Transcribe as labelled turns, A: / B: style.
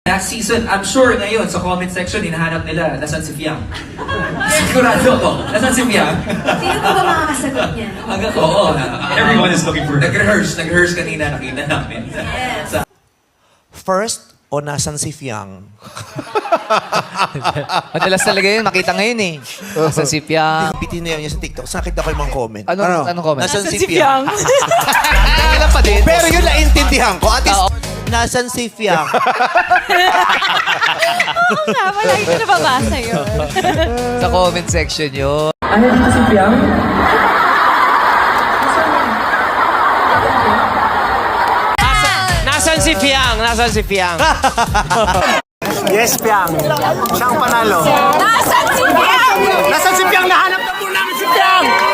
A: Last season, I'm sure ngayon sa comment section, hinahanap nila, nasan si Fiang? Sigurado ko, nasan si Fiang?
B: Sino pa ba makakasagot niya?
A: Oo.
C: Everyone is looking for her.
A: Nag-rehearse kanina, nakita namin.
B: Yes.
D: First, o nasan si Fiang?
E: Madalas talaga yun, makita ngayon eh. Sa sipya.
D: Bitinayaw niya sa TikTok. Nakita ko yung mga comment.
E: Anong comment?
D: Nasan si Fiang?
E: Kailan pa din?
D: Pero yun naintindihan ko. At least, nasan si Fiang?
F: Oo nga, palagi ko nababasa yun.
E: Sa comment section yun.
A: Ano dito si Fiang?
G: Nasaan si Fiang? Nasaan si Fiang?
D: Yes, Fiang. Siyang panalo.
F: Nasaan si Piang?
G: Nasaan si Fiang? Nahanap na po namin si Fiang!